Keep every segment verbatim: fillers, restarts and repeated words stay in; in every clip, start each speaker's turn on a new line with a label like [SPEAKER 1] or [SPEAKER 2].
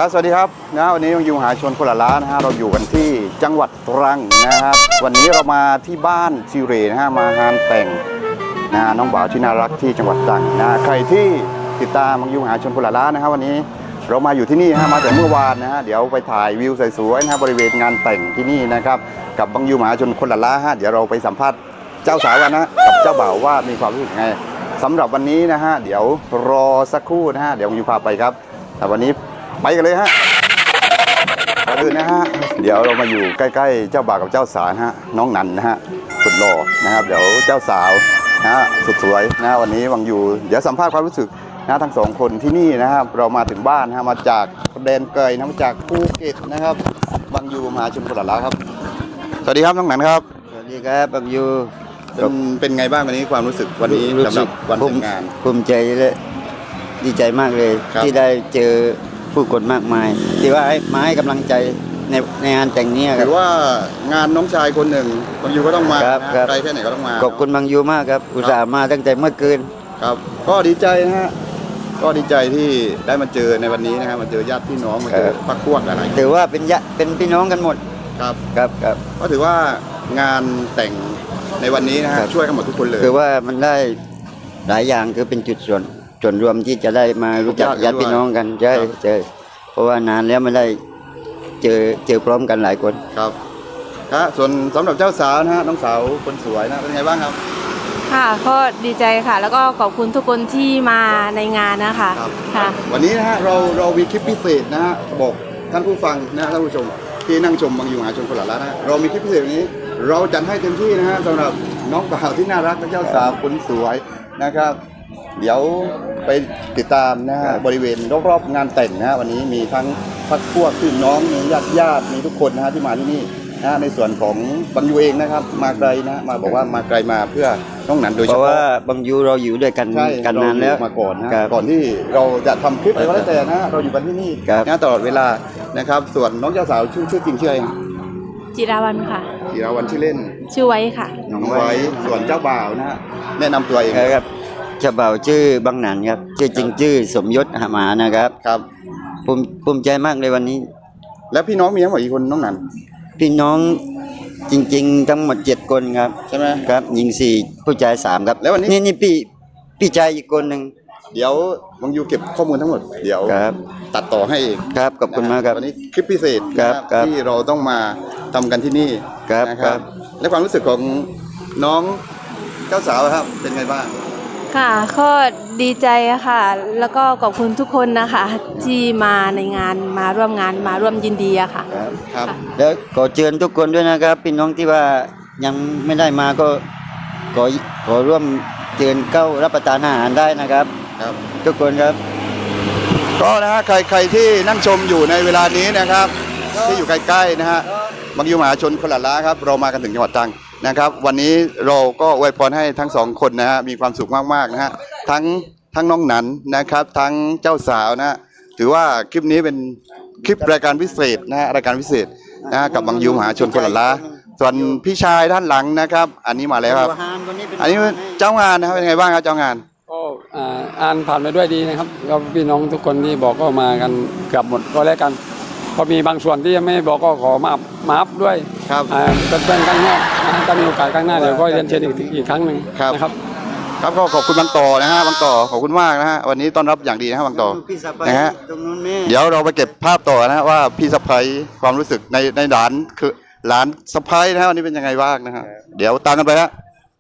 [SPEAKER 1] ครับสวัสดีครับนะวันนี้อยู่หาชวนคนละล้านนะฮะเราอยู่กันที่จังหวัดตรังนะครับวันนี้เรามาที่บ้านซิเรนะฮะมางานแต่งนะน้องบ่าวที่น่ารักที่จังหวัดตรังนะใครที่ติดตามมังยูหาชวนคนละล้านนะครับวันนี้เรามาอยู่ที่นี่ฮะมาแต่เมื่อวานนะฮะเดี๋ยวไปถ่ายวิวสวยๆนะบริเวณงานแต่งที่นี่นะครับกับมังยูหาชวนคนละล้านฮะเดี๋ยวเราไปสัมภาษณ์เจ้าสาวกันนะกับเจ้าบ่าวว่ามีความรู้สึกไงสำหรับวันนี้นะฮะเดี๋ยวรอสักครู่นะฮะเดี๋ยวมังยูพาไปครับแต่วันนี้ไปกันเลยฮะก่อนอื่นนะฮะเดี๋ยวเรามาอยู่ใกล้ๆเจ้าบ่าวกับเจ้าสาวฮะน้องนันนะฮะสุดหล่อนะครับเดี๋ยวเจ้าสาวนะฮะสุดสวยนะวันนี้วังอยู่เดี๋ยวสัมภาษณ์ความรู้สึกนะทั้งสองคนที่นี่นะครับเรามาถึงบ้านนะฮะมาจากแดนไกลนะมาจากภูเก็ตนะครับวังอยู่มาชุมพลละครับสวัสดีครับน้องนันครับ
[SPEAKER 2] สวัสดีครับวังอยู่
[SPEAKER 1] เป็นเป็นไงบ้างวันนี้ความรู้สึกวันนี้สำหรับวันแต่งงาน
[SPEAKER 2] ภูมิใจและดีใจมากเลยที่ได้เจอผู้คนมากมายที่ว่ามาให้กำลังใจในในงานแต่งนี้ครับ
[SPEAKER 1] ถือว่างานน้องชายคนหนึ่งบางยูก็ต้องมาไกลแค่ไหนก็ต้องมา
[SPEAKER 2] ขอบคุณบางยูมากครับอุตส่าห์มาตั้งแต่เมื่อคืน
[SPEAKER 1] ครับก็ดีใจนะฮะก็ดีใจที่ได้มาเจอในวันนี้นะครับมาเจอญาติพี่น้องมาเจอพักพวกอะไร
[SPEAKER 2] ถือว่าเป็นญาติเป็นพี่น้องกันหมด
[SPEAKER 1] ครับ
[SPEAKER 2] ครับครับ
[SPEAKER 1] ก็ถือว่างานแต่งในวันนี้นะฮะช่วยกันหมดทุกคนเลย
[SPEAKER 2] คือว่ามันได้หลายอย่างคือเป็นจุดส่วนส่วนรวมที่จะได้มารู้จักญาติพี่น้องกันใช่ใช่เพราะว่านานแล้วไม่ได้เจอเจอพร้อมกันหลายคน
[SPEAKER 1] ครับครับส่วนสำหรับเจ้าสาวนะฮะน้องสาวคนสวยนะเป็นไงบ้างครับ
[SPEAKER 3] ค่ะก็ดีใจค่ะแล้วก็ขอบคุณทุกคนที่มาในงานนะคะ
[SPEAKER 1] ค่ะวันนี้นะฮะเราเรามีคลิปพิเศษนะฮะบอกท่านผู้ฟังนะท่านผู้ชมที่นั่งชมบางอยู่หาชมคนละล้านนะเรามีคลิปพิเศษนี้เราจัดให้เต็มที่นะฮะสำหรับน้องบ่าวที่น่ารักและเจ้าสาวคนสวยนะครับเดี๋ยวไปติดตามนะฮะบริเวณรอบๆงานแต่งนะฮะวันนี้มีทั้งพักพวกพี่น้องมีญาติญาติมีทุกคนนะฮะที่มาที่นี่นะในส่วนของบางยูเองนะครับมาไกลนะมาบอกว่ามาไกลมาเพื่อน้องหนันโดยเฉพาะ
[SPEAKER 2] เพราะว่าบางยูเราอยู่ด้วยกันกันนานแล้ว
[SPEAKER 1] มาก่อนนะก่อนที่เราจะทำคลิปอะไรก็แล้วแต่นะเราอยู่กันที่นี่นะตลอดเวลานะครับส่วนน้องเจ้าสาวชื่อชื่อจริงชื่ออะไร
[SPEAKER 3] จิราวันค่ะ
[SPEAKER 1] จิราวันชื่อเล่น
[SPEAKER 3] ชื่อไว้ค่ะ
[SPEAKER 1] น้องไว้ส่วนเจ้าบ่าวนะฮะแนะนำตัวเอง
[SPEAKER 2] ครับเจ้าบ่าวชื่อบางหนันครับชื่อจริงชื่อสมยศหามานะครับ
[SPEAKER 1] ครับ
[SPEAKER 2] ภูมิภูมิใจมากเลยวันนี้
[SPEAKER 1] แล้วพี่น้องมีทั้งหมดกี่คนน้องหนัน
[SPEAKER 2] พี่น้องจริงๆทั้งหมดเจ็ดคนครับ
[SPEAKER 1] ใช่ไหม
[SPEAKER 2] ครับหญิงสี่ผู้ชายสามครับ
[SPEAKER 1] แล้ววันนี้
[SPEAKER 2] นี่นี่พี่พี่ชายอีกคนหนึ่ง
[SPEAKER 1] เดี๋ยววังยูเก็บข้อมูลทั้งหมดเดี๋ยวตัดต่อให้เอง
[SPEAKER 2] ครับขอบคุณมากครับ
[SPEAKER 1] วันนี้คลิปพิเศษที่เราต้องมาทำกันที่นี่นะครับและความรู้สึกของน้องเจ้าสาวครับเป็นไงบ้าง
[SPEAKER 3] ค่ะก็ดีใจค่ะแล้วก็ขอบคุณทุกคนนะคะที่มาในงานมาร่วมงานมาร่วมยินดีอะค่ะ
[SPEAKER 1] ครับ
[SPEAKER 2] แล้วขอเชิญทุกคนด้วยนะครับพี่น้องที่ว่ายังไม่ได้มาก็ขอขอร่วมเชิญเข้ารับประทานอาหารได้นะครับ
[SPEAKER 1] ครับ
[SPEAKER 2] ทุกคนครับ
[SPEAKER 1] ก็นะฮะใครใครที่นั่งชมอยู่ในเวลานี้นะครับที่อยู่ใกล้ๆนะฮะบางยูมหาชนคนละล้าครับเรามากันถึงจังหวัดตรังนะครับวันนี้เราก็อวยพรให้ทั้งสองคนนะฮะมีความสุขมากๆนะฮะทั้งทั้งน้องหนันนะครับทั้งเจ้าสาวนะถือว่าคลิปนี้เป็นคลิปรายการพิเศษนะฮะรายการพิเศษนะกับบางยูมหาชนคนละล้าส่วนพี่ชายด้านหลังนะครับอันนี้มาแล้วครับอันนี้เจ้างานนะครับเป็นไงบ้างครับเจ้างาน
[SPEAKER 4] ก็อ่านผ่านไปด้วยดีนะครับก็พี่น้องทุกคนที่บอกก็มากันเกือบหมดก็แล้วกันก็มีบางส่วนที่ยังไม่บอกก็ขอมามาอัพด้วย
[SPEAKER 1] ครับ
[SPEAKER 4] เป็นเป็นข้างนอกนะถ้ามีโอกาสข้างหน้าเดี๋ยวก็เรียนเชิญอีกอีกครั้งหนึ่งนะครับ
[SPEAKER 1] ครับก็ขอบคุณบางต่อนะฮะบางต่อขอบคุณมากนะฮะวันนี้ต้อนรับอย่างดีนะฮะบางต่อนะฮะเดี๋ยวเราไปเก็บภาพต่อนะว่าพี่สะพ้ายความรู้สึกในในหลานคือหลานสะพ้ายนะฮะวันนี้เป็นยังไงบ้างนะฮะเดี๋ยวตามกันไปฮะ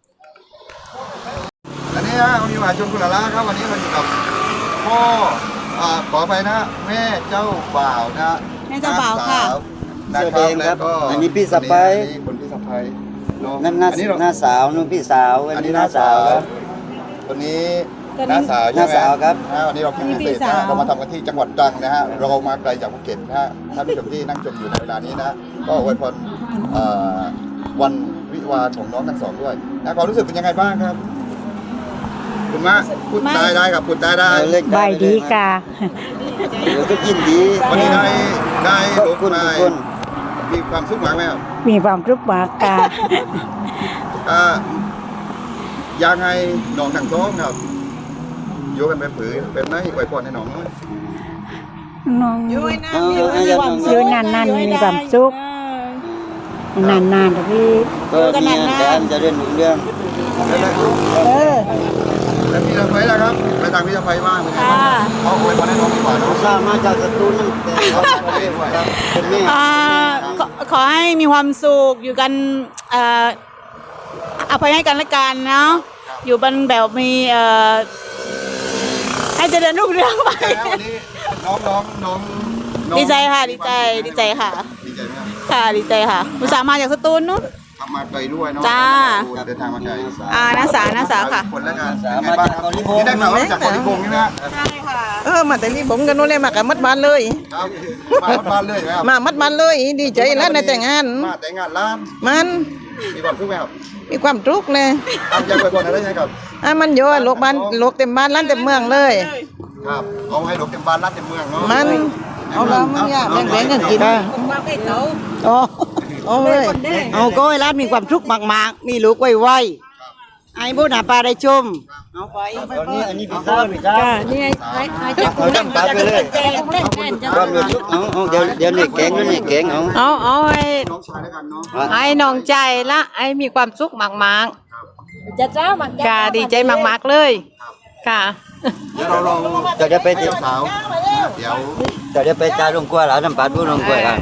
[SPEAKER 1] อันนี้นะวันนี้มาชมคุณละล้าครับวันนี้เราอยู่กับพ่อขอไปนะแม่เจ้าบ่าวนะ
[SPEAKER 3] แม่เจ้าบ่าวค่ะ
[SPEAKER 1] นะครับแล้วก็
[SPEAKER 2] อันนี้พี่สะพ้าย
[SPEAKER 1] คนพี่สะพ้าย
[SPEAKER 2] นั่นหน้าหน้าสาวนู่นพี่สาวอันนี้หน้าสาวครับ
[SPEAKER 1] คนนี้น้าสาว
[SPEAKER 2] หน้าสาวครับ
[SPEAKER 1] วันนี้เราพิเศษนะเรามาทำกันที่จังหวัดตรังนะฮะเรามาไกลจากภูเก็ตนะฮะท่านผู้ชมที่นั่งชมอยู่ในเวลานี้นะก็อวยพรวันวิวาห์ของน้องทั้งสองด้วยนะความรู้สึกเป็นยังไงบ้างครับคุณมาพูดได้ได้ครับพูดได้ได้
[SPEAKER 3] ใบดีกา
[SPEAKER 2] เราก็ยินดี
[SPEAKER 1] วันนี้ได้ได้ลูกคุณมีความสุขมากไหมครับ
[SPEAKER 3] มีความสุขมากกา
[SPEAKER 1] ยังไงน้องทั้งสองครับโยกันไปผือเป็นไหมอวยพรให้น้องน้อย
[SPEAKER 5] น้อง
[SPEAKER 2] อยู่
[SPEAKER 5] อยู่นานๆมีความสุขนานๆแต่พี่
[SPEAKER 2] ก็มีการจะเรื่องเรื่อง
[SPEAKER 5] เออ
[SPEAKER 1] แล้วพี่จะไปแล้วครับไปทางพี่จะไปบ้างเป็นไงบ้างพ่อคุยมาได้น้องดีกว่า
[SPEAKER 2] เขาสร้างมาจากสตูนั่นแต่เขาเป็นแม่
[SPEAKER 6] อ่าขอขอให้มีความสุขอยู่กันเอ่ออภัยให้กันและกันเนาะอยู่บันแบบมีเอ่อให้เจริญรุ่งเรืองไป
[SPEAKER 1] วันนี้น้องน้องน้อง
[SPEAKER 6] ดีใจค่ะดีใจดีใจค่ะ
[SPEAKER 1] ดีใจไหมครับ
[SPEAKER 6] ค่ะดีใจค่ะอุตส่าห์มาจากสตูลนู้น
[SPEAKER 1] ทำมาไกลด้วยเนาะ
[SPEAKER 6] จ้า
[SPEAKER 1] เดินทางมาไกล
[SPEAKER 6] อ่านาสานาสาค่ะ
[SPEAKER 1] คนแล้วกันเป็นไงบ้างครับนี่ได้ข่าวว่าจากคนที่กงใช่ไหมฮะ
[SPEAKER 6] ใช่ค่ะ
[SPEAKER 7] เออมาแต่นี่ผมกันนู้นเลยมากับมัดบ้านเลย
[SPEAKER 1] ครับมาบ้านเลยไหมครับ
[SPEAKER 7] มามัดบ้านเลย ดีใจแล้วในแต่งงาน
[SPEAKER 1] มาแต่งงานร้าน
[SPEAKER 7] มัน
[SPEAKER 1] มีความสุขไหมครับ
[SPEAKER 7] มีความทุกข์เลย
[SPEAKER 1] ทำยังไงก่อนอะไรยังไงครับ
[SPEAKER 7] อ่ะมันเยอะโลกบ้านโลกเต็มบ้านร้านเต็มเมืองเลย
[SPEAKER 1] ครับเอาให้หลบเต็มบ้านรัดเต็มเมืองเนาะ
[SPEAKER 7] มันเอาละมึงอย่าแบ่งแบ่งกันกินอ๋อเอาเลยเอาก็ให้ร้านมีความทุกข์มากๆมีลูกไวๆไอ้บุญหาปลาได้ชมเอาไป
[SPEAKER 2] ตอนนี้อันนี้พิซซ่าพิซซ่า
[SPEAKER 5] นี่ไงไอ้ไอ้
[SPEAKER 2] เอาน้ำตาลไปเลยก็มีชุกเอาเอาเดี๋ยวเดี๋ยวนี่แกงนั่นนี่แกงเอา
[SPEAKER 5] เอาเอาไอ้
[SPEAKER 1] น้องชายแล้วกันเนาะ
[SPEAKER 5] ไอ้น้องใจละไอ้มีความสุขมากๆจะเจ้ามักค่ะดีใจมากๆเลยค่ะ
[SPEAKER 1] เดี๋ยวเราลอง
[SPEAKER 2] จะได้ไป
[SPEAKER 1] เจ้าสาวเดี๋ยว
[SPEAKER 2] จะได้ไปจ่ายลงกล้วยหลานน้ำปลาดูลงกล้วยหลาน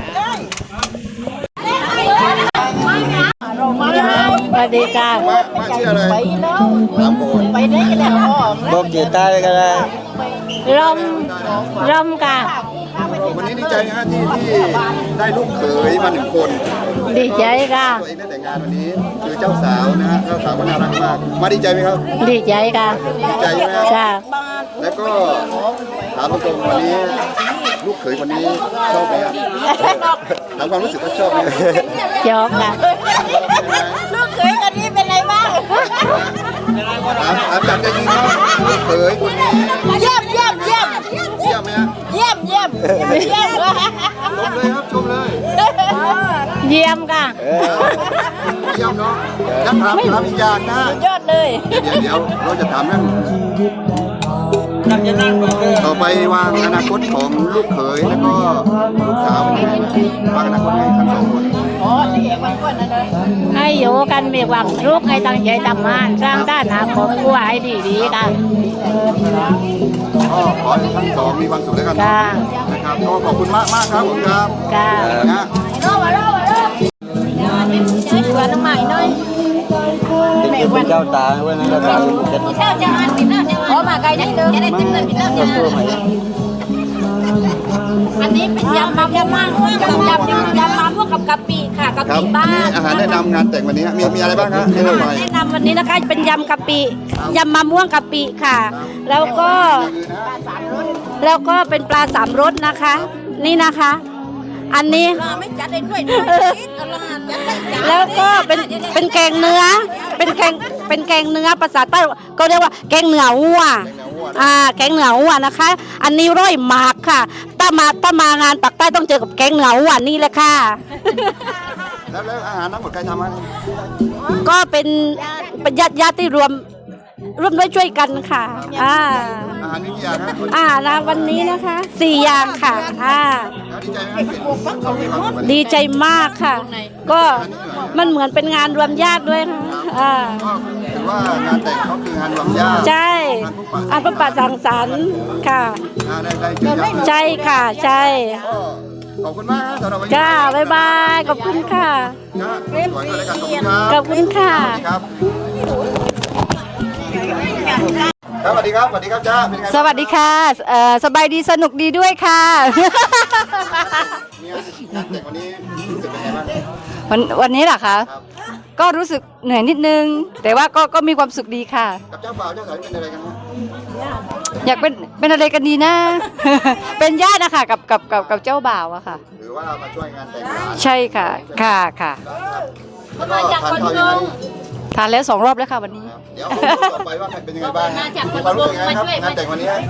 [SPEAKER 5] สวัสดีค่ะ
[SPEAKER 1] มามาชื่ออะไรถามโบน
[SPEAKER 2] บอกเดี๋ยวตายไปกันเลย
[SPEAKER 5] รมรมค่ะ
[SPEAKER 1] วันนี้ดีใจนะฮะที่ที่ได้ลูกเขยมาหนึ่งคน
[SPEAKER 5] ดีใจค่ะ
[SPEAKER 1] ตัวเองได้แต่งงานวันนี้คือเจ้าสาวนะฮะเจ้าสาวก็น่ารักมากมาดีใจไหมครับ
[SPEAKER 5] ดีใจค่ะ
[SPEAKER 1] ดีใจใช่ไหมครับ
[SPEAKER 5] ค่ะ
[SPEAKER 1] แล้วก็ถามตรงๆวันนี้ลูกเขยคนนี้ชอบไหมครับถามความรู้สึกว่าชอบไหม
[SPEAKER 5] จบค่ะ
[SPEAKER 6] ลูกเขยคนนี้เป็นไรบ้าง
[SPEAKER 1] ถามถามจากใจจริงครับลูกเขยคนนี้
[SPEAKER 6] เยี่ยมเยี่ยมเยี่ยม
[SPEAKER 1] เยี่ยมไหมฮะ
[SPEAKER 6] เยี่ยมเยี่ยมเยี่ยม
[SPEAKER 1] ชมเลยครับชมเลย
[SPEAKER 5] เยี่ยมค่ะ
[SPEAKER 1] เยี่ยมเนาะจะถามถามอีกอย่างนะ
[SPEAKER 6] ยอดเลย
[SPEAKER 1] เดี๋ยวเดี๋ยวเราจะถามเรื่องต่อไปวางอนาคตของลูกเขยแล้วก็ลูกสาววางอนาคตให้ทั้งสองคน
[SPEAKER 5] ให้อยู่กันมีความสุขให้ตั้งใจทำงานสร้างด้านหาครอบครัวให้ดีๆค่ะ
[SPEAKER 1] ก็ขอให้ทั้งสองมีความสุขแล้วกัน
[SPEAKER 5] ค่ะ
[SPEAKER 1] นะครับก็ขอบคุณมากมากครับผมครับ
[SPEAKER 5] ค่ะ
[SPEAKER 1] นะ
[SPEAKER 6] วันใหม่หน่อย
[SPEAKER 2] เป็นเจ้าตาวันนั้นเราตาอยู่กัน
[SPEAKER 6] โอ้มาไกลนิดนึงจะได้จิ้มเงินผิดแล้ว
[SPEAKER 2] ตัวตัวใหม่
[SPEAKER 6] อันนี้เป็นยำมะม่วงยำยำยำมะม่วงกับกะปิค่ะกะ
[SPEAKER 1] ครับ
[SPEAKER 6] ปิบ้า
[SPEAKER 1] นี่
[SPEAKER 6] น
[SPEAKER 1] อาหารแนะนำงานแต่งวันนี้มีมีอะไรบ้างครับแนะนำหน่อย
[SPEAKER 6] แนะนำวันนี้นะคะเป็นยำกะปิยำมะม่วงกะปิค่ะ แล้วก็แล้วก็เป็นปลาสามรสนะคะ นี่นะคะ อันนี้ไม่จัดได้ด้วยแล้วก็เป็นเป็นแกงเนื้อ เป็นแกงเป็นแกงเนื้อภาษาใต้ก็เรียกว่าแกงเนื้อวัวอ่าแกงเนื้อวัวนะคะ อันนี้ร้อยมากค่ะถ้ามาถ้ามางานปักใต้ต้องเจอกับแกงเนื้อวัวนี่แหละค่ะ
[SPEAKER 1] แล้วแล้วอาหารทั้งหมดใครทำฮะ
[SPEAKER 6] ก็เป็นเป็นญาติญาติที่รวมร่วมด้วยช่วยกันค่ะอ่า
[SPEAKER 1] อาหารมีกี่อย่างฮะ
[SPEAKER 6] อ่านะวันนี้นะคะสี่อย่างค่ะอ่า
[SPEAKER 1] แล้วดีใจไหมครับเป็นสองมีความสุขวันนี้
[SPEAKER 6] ดีใจมากค่ะ ก็มันเหมือนเป็นงานรวมญาติด้วยค่ะอ่า
[SPEAKER 1] ก็ถือว่างานแต่งเขาคืองานรวมญาติ
[SPEAKER 6] ใช่อันพระป่าสังสรรค์ค่ะ
[SPEAKER 1] อ่าได้ได้เจอญาติ
[SPEAKER 6] ใช่ค่ะใช่
[SPEAKER 1] ก็ขอบคุณมากครับสำหรับวันนี้
[SPEAKER 6] จ้าบ๊ายบายขอบคุณค่ะ
[SPEAKER 1] จ้าสวยด้วยรายการขอบคุณครับ
[SPEAKER 6] ขอบคุณค่ะ
[SPEAKER 1] สวัสดีครับครับสวัสดีครับสวัสดีครับจ้าเป็นไง
[SPEAKER 5] สวัสดีค่ะเอ่อสบายดีสนุกดีด้วยค่ะ
[SPEAKER 1] เนี่ยงานแต่งวันนี้รู้สึกเป็นไงบ้าง
[SPEAKER 5] วันวันนี้เหรอคะ
[SPEAKER 1] ครับ
[SPEAKER 5] ก็รู้สึกเหนื่อยนิดนึง แต่ว่าก็ก็มีความสุขดีค่ะ
[SPEAKER 1] กับเจ้าบ่าวเจ้าสาวเป็นอะไรกันฮะ
[SPEAKER 5] อยากเป็นเป็นอะไรกันดีนะ เป็นญาตินะคะกับกับกับกับเจ้าบ่าวอะค่ะ
[SPEAKER 1] หรือว่ามาช่วยงานแต่งงาน
[SPEAKER 5] ใช่ค่ะค่ะค่ะ
[SPEAKER 1] แล้วก็ทานข้าวยังไง
[SPEAKER 5] ทานแล้วสองรอบแล้วค่ะวันนี้
[SPEAKER 1] เดี๋ยวผมดูต่อไปว่าเป็นยังไงบ้างมีความรู้สึกยังไงครับงานแต่งวันนี้ฮะ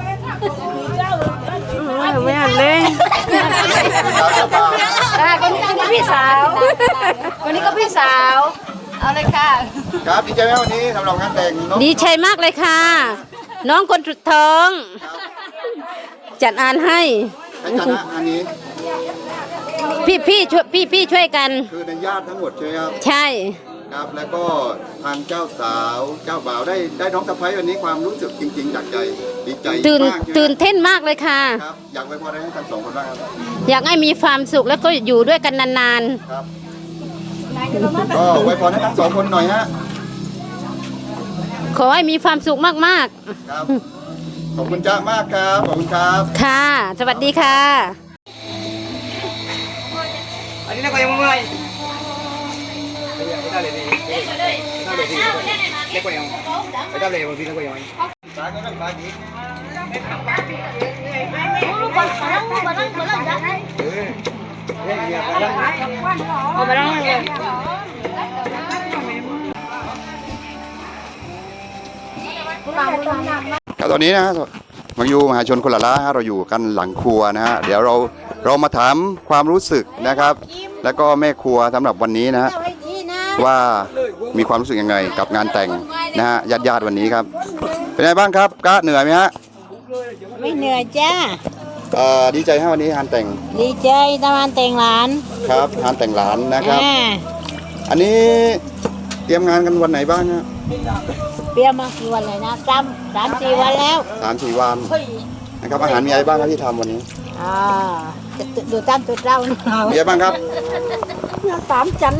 [SPEAKER 5] ไม่หันเลย
[SPEAKER 1] สาวเจ้าบ่าว
[SPEAKER 5] อ่าคนนี้ก็พี่สาวคนนี้ก็พี่สาวเอาเลยค่ะ
[SPEAKER 1] ครับดีใจไหมวันนี้สำหรับงานแต่งน้อง
[SPEAKER 3] ดีใจมากเลยค่ะ น้องคนสุดท้อง จัดอ่านให้
[SPEAKER 1] ใครชนะอันนี้
[SPEAKER 6] พี่พี่ช่วยพี่พี่ช่วยกัน
[SPEAKER 1] คือในญาติทั้งหมดใช่ไหมครับ
[SPEAKER 6] ใช่
[SPEAKER 1] ครับแล้วก็ทางเจ้าสาวเจ้าบ่าวได้ได้น้องสะใภ้วันนี้ความรู้สึกจริงๆจากใจดีใจ
[SPEAKER 6] ตื่น
[SPEAKER 1] มากใช่ไหม
[SPEAKER 6] ตื่นเต้นมากเลยค่ะ
[SPEAKER 1] ครับอยากไว้พรอะไรให้ทั้งสองคนบ้างครับ
[SPEAKER 6] อยากให้มีความสุขแล้วก็อยู่ด้วยกันนาน
[SPEAKER 1] ครับก็ไว้พรให้ทั้งสองคนหน่อยฮะ
[SPEAKER 6] ๆ ขอให้มีความสุขมาก
[SPEAKER 1] ครับขอบคุณจ้ามากครับขอบคุณครับ
[SPEAKER 6] ๆ ค่ะ สวัสดีค่ะ
[SPEAKER 1] ครับตอนนี้นะฮะมังยูมหาชนคนละล้าฮะเราอยู่กันหลังครัวนะฮะเดี๋ยวเราเรามาถามความรู้สึกนะครับ แล้วก็แม่ครัวสำหรับวันนี้นะฮะว่ามีความรู้สึกยังไงกับงานแต่งนะฮะญาติญาติๆวันนี้ครับ เป็นไงบ้างครับกะเหนื่อยไหมฮะ
[SPEAKER 7] ไม่เหนื่อยจ้า
[SPEAKER 1] เอ่อดีใจฮะวันนี้งานแต่ง
[SPEAKER 7] ดีใจตะวันแต่งหลาน
[SPEAKER 1] ครับงานแต่งหลานนะครับ
[SPEAKER 7] อ่า
[SPEAKER 1] อันนี้เตรียมงานกันวันไหนบ้างฮะ
[SPEAKER 7] เปรียมากี่วันเลยนะจำสามสี่วันแล้ว
[SPEAKER 1] สามสี่วันนะครับอาหารมีอะไรบ้างครับที่ทำวันนี้
[SPEAKER 7] อ่าจะดูตามตัวเรา
[SPEAKER 1] มีอะไรบ้างครับ
[SPEAKER 7] สามจัน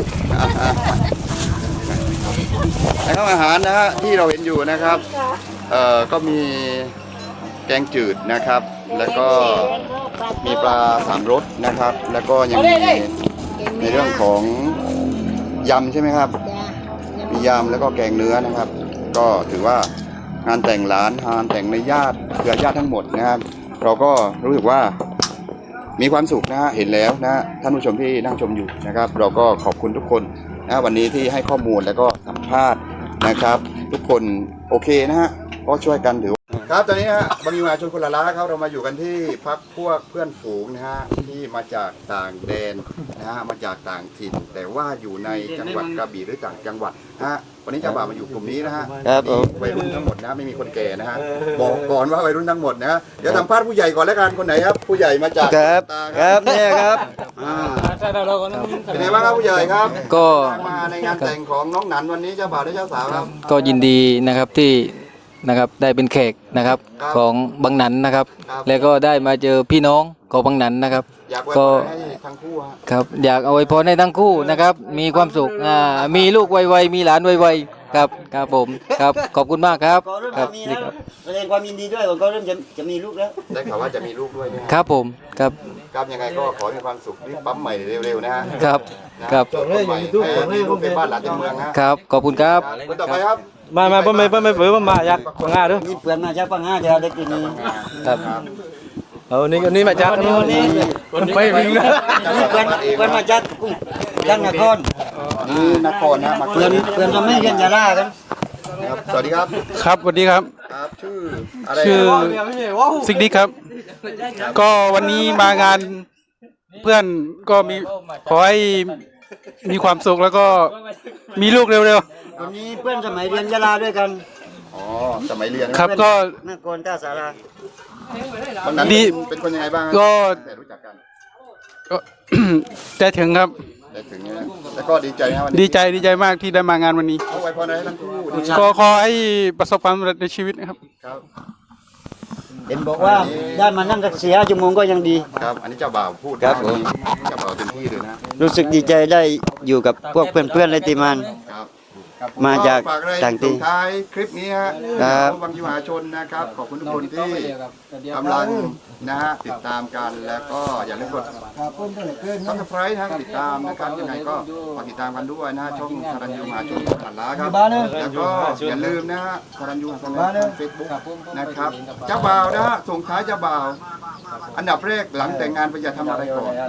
[SPEAKER 1] นะครับอาหารนะฮะที่เราเห็นอยู่นะครับเอ่อก็มีแกงจืดนะครับ แล้วก็มีปลาสามรสนะครับ แล้วก็ยังมีในเรื่องของยำใช่ไหมครับ มียำแล้วก็แกงเนื้อนะครับ ก็ถือว่างานแต่งหลานงานแต่งในญาติเครือญาติทั้งหมดนะครับ เราก็รู้สึกว่ามีความสุขนะฮะเห็นแล้วนะฮะท่านผู้ชมที่นั่งชมอยู่นะครับ เราก็ขอบคุณทุกคนนะวันนี้ที่ให้ข้อมูลแล้วก็สัมภาษณ์นะครับ ทุกคนโอเคนะฮะก็ช่วยกันถือครับตอนนี้นะฮะบางทีมาชนคนละล้าครับเรามาอยู่กันที่พักพวกเพื่อนฝูงนะฮะที่มาจากต่างแดนนะฮะมาจากต่างถิ่น แต่ว่าอยู่ในจังหวัดกระบี่หรือต่างจังหวัดนะฮะวันนี้เจ้าบ่าวมาอยู่กลุ่มนี้นะฮะ
[SPEAKER 2] ครับผม
[SPEAKER 1] วัยรุ่นทั้งหมดนะไม่มีคนแก่นะฮะบอกก่อนว่าวัยรุ่นทั้งหมดนะเดี๋ยวสัมภาษณ์ผู้ใหญ่ก่อนแล้วกันคนไหนครับผู้ใหญ่มาจาก
[SPEAKER 2] ครับ
[SPEAKER 1] ตา
[SPEAKER 2] ครับเนี่ยครับ
[SPEAKER 1] อ่าเป็นไงบ้างครับผู้ใหญ่ครับ
[SPEAKER 8] ก็
[SPEAKER 1] มาในงานแต่งของน้องหนันวันนี้เจ้าบ่าวและเจ้าสาวครับ
[SPEAKER 8] ก็ยินดีนะครับที่นะครับได้เป็นแขกนะครับ
[SPEAKER 1] ครับ
[SPEAKER 8] ของบางหนันนะครับ
[SPEAKER 1] ครับ
[SPEAKER 8] แล้วก็ได้มาเจอพี่น้องของบางหนันนะครับ
[SPEAKER 1] อยากไว้
[SPEAKER 8] ก็
[SPEAKER 1] ให้ทั้งคู่ฮะ
[SPEAKER 8] ครับอยากเอาไว้พรให้ทั้งคู่นะครับ มีความสุขอ่ามีลูกไวๆมีหลานไวๆครับครับผมครับขอบคุณมากครับ
[SPEAKER 2] ก็เริ่ม
[SPEAKER 8] ครั
[SPEAKER 2] จะ
[SPEAKER 8] บ
[SPEAKER 2] มี
[SPEAKER 8] นี่
[SPEAKER 2] แล้ว
[SPEAKER 8] ครับ
[SPEAKER 2] แสดงความยินดีด้วยผมก็เริ่มจะจะมีลูกแล้ว
[SPEAKER 1] ได้ข่าวว่าจะมีลูกด้วยนะฮะ
[SPEAKER 8] ครับผมครับ
[SPEAKER 1] ครับยังไงก็ขอให้มีความสุขรีบปั๊มใหม่เร็วๆนะฮะ
[SPEAKER 8] ครับ
[SPEAKER 1] นะครับ จดคนใหม่ให้มีลูกเป็นบ้านหลานเป็นเมืองฮะ
[SPEAKER 8] ครับขอบคุณครับ
[SPEAKER 1] คนต่อไปครับ
[SPEAKER 9] มามาเพิ่มไม่เพิ่มไม่เพิ่มมาอยากฟังงาด้วย
[SPEAKER 2] นี่เพื่อนมาจากปังห้าจะได้กินนี่
[SPEAKER 8] ครับ
[SPEAKER 9] เอานี่นี่มาจากนู้นคนไม่วิ่งนะ
[SPEAKER 2] นี่เพื่อนเพื่อนมาจากกุ้งจังนคร
[SPEAKER 1] นี่นครนะมา
[SPEAKER 2] เพื่อนเพื่อนจะไม่เรียนยาลากัน
[SPEAKER 1] ครับสวัสดีครับ
[SPEAKER 9] ครับสวัสดีครับ
[SPEAKER 1] ครับชื่ออะไร
[SPEAKER 9] ชื่อ
[SPEAKER 1] ครับ
[SPEAKER 9] ซิกดิกครับ ก็วันนี้มางานเพื่อนก็มีขอให้มีความสุขแล้วก็มีลูกเร็ว
[SPEAKER 2] วันนี้เพื่อนสมัยเรียนยาลาด้วยกัน
[SPEAKER 1] อ๋อสมัยเรียน
[SPEAKER 9] ๆ ครับก็
[SPEAKER 2] นครท่าสารา
[SPEAKER 1] ตอนนั้น
[SPEAKER 9] ดี
[SPEAKER 1] เป็นคนยังไงบ้างฮะ
[SPEAKER 9] ก็
[SPEAKER 1] แต่รู้จักกัน
[SPEAKER 9] ก็ ใจถึงครับ
[SPEAKER 1] ได้ถึงเนี่ยแล้วก็ดีใจนะวันนี้
[SPEAKER 9] ดีใจดีใจมากที่ได้มางานวันนี้
[SPEAKER 1] เอาไว้พรให้ทั้งคู่ดี
[SPEAKER 9] ก็ขอให้ประสบความสำเร็จในชีวิตนะครับ
[SPEAKER 1] ครับ
[SPEAKER 2] เห็นบอกว่าได้มานั่งสักสี่ห้าชั่วโมงก็ยังดี
[SPEAKER 1] ครับ อันนี้เจ้าบ่าวพูด
[SPEAKER 2] ครับ
[SPEAKER 1] นะวันนี้เจ้าบ่าวเต็มที่เลยนะ
[SPEAKER 2] รู้สึกดีใจได้อยู่กับพวกเพื่อนๆในติมาน
[SPEAKER 1] ครับ
[SPEAKER 2] มาจาก
[SPEAKER 1] ฝอะไร
[SPEAKER 2] ต่างที่
[SPEAKER 1] ส่ท้ายคลิปนี้ฮะ
[SPEAKER 2] ครับ
[SPEAKER 1] บางยุหาชนนะครับ ขอบคุณทุกคนที่กำลังนะฮะติดตามกันแล้วก็อย่าลืมกดซับสไครต์นะติดตามนะครับยังไงก็ฝากติดตามกันด้วยนะฮะช่องสรัญยูมหาชนหันล้าครับแล้วก็อย่าลืมนะฮะสรัญยูหันล้าทางเฟซบุ๊กนะครับเจ้าบ่าวนะฮะส่งท้ายเจ้าบ่าวอันดับแรกหลังแต่งงานไปจะทำอะไรก่อน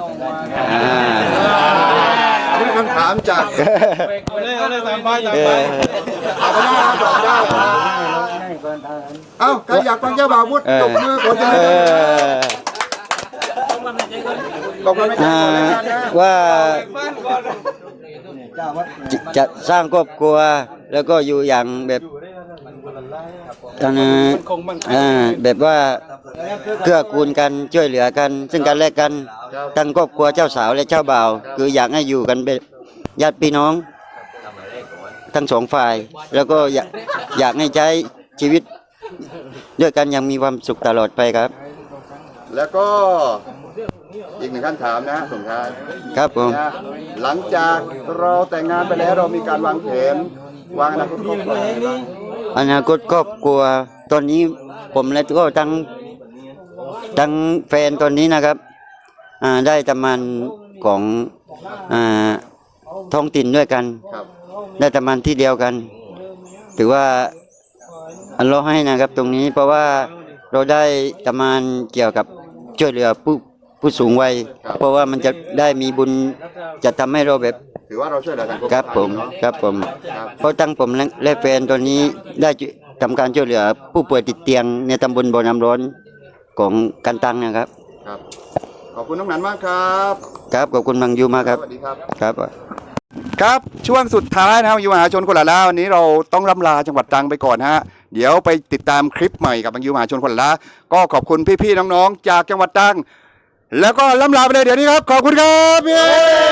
[SPEAKER 1] อันนี้เป็นคำถามจาก
[SPEAKER 2] เออ
[SPEAKER 1] เอาไปได้ครับบอกได้เอ้าใครอยากฟังเจ้าบ่าวพูดตบมือผมจะ
[SPEAKER 2] เอ
[SPEAKER 1] ให้
[SPEAKER 2] อ
[SPEAKER 1] บอกว่าไม่ใช่
[SPEAKER 2] อ่า
[SPEAKER 1] คนละกันนะ
[SPEAKER 2] ว่าจะจะสร้างครอบครัวแล้วก็อยู่อย่างแบบตอนนั้นอ่าแบบว่าเกื้อกูลกันช่วยเหลือกัน ซึ่งกันและกันทั้งครอบครัวเจ้าสาวและเจ้าบ่าว คืออยากให้อยู่กันเป็นญาติพี่น้อง ทั้งสองฝ่าย แล้วก็อยากอยากให้ใช้ชีวิตด้วยกันอย่างมีความสุขตลอดไปครับ
[SPEAKER 1] แล้วก็อีกหนึ่งคำถามนะสมชาย
[SPEAKER 2] ครับผม
[SPEAKER 1] นะหลังจากเราแต่งงานไปแล้วเรามีการวางแผนวางอนาคตครอบครัวยังไงบ้าง
[SPEAKER 2] อนาคตครอบครัวตอนนี้ผมและก็ทั้งทั้งแฟนตอนนี้นะครับอ่าได้ทำงานของอ่าท้องถิ่นด้วยกัน
[SPEAKER 1] ครับ
[SPEAKER 2] ได้ทำงานที่เดียวกัน ถือว่าอันเราให้นะครับตรงนี้เพราะว่าเราได้ทำงานเกี่ยวกับช่วยเหลือผู้ผู้สูงวัย เพราะว่ามันจะได้มีบุญจะทำให้เราแบบ
[SPEAKER 1] ถือว่าเราช่วยเหลือสังคม
[SPEAKER 2] ครับผม
[SPEAKER 1] เนาะ
[SPEAKER 2] ครับผม
[SPEAKER 1] ครับ
[SPEAKER 2] เพราะตั้งผมและและแฟนตอนนี้ได้ทำการช่วยเหลือผู้ป่วยติดเตียงในตำบลบ่อน้ำร้อนของกันตังนะครับ
[SPEAKER 1] ครับขอบคุณน้องหนันมากครับ
[SPEAKER 2] ครับขอบคุณบางยูมากครับ
[SPEAKER 1] สวัสดีครับ
[SPEAKER 2] ครับ
[SPEAKER 1] ครับช่วงสุดท้ายนะครับยูมหาชนคนละล้าวันนี้เราต้องล่ำลาจังหวัดตรังไปก่อนฮะเดี๋ยวไปติดตามคลิปใหม่กับบางยูมหาชนคนละล้าก็ขอบคุณพี่ๆน้องๆจากจังหวัดตรังแล้วก็ล่ำลาไปเลยเดี๋ยวนี้ครับขอบคุณครับเย้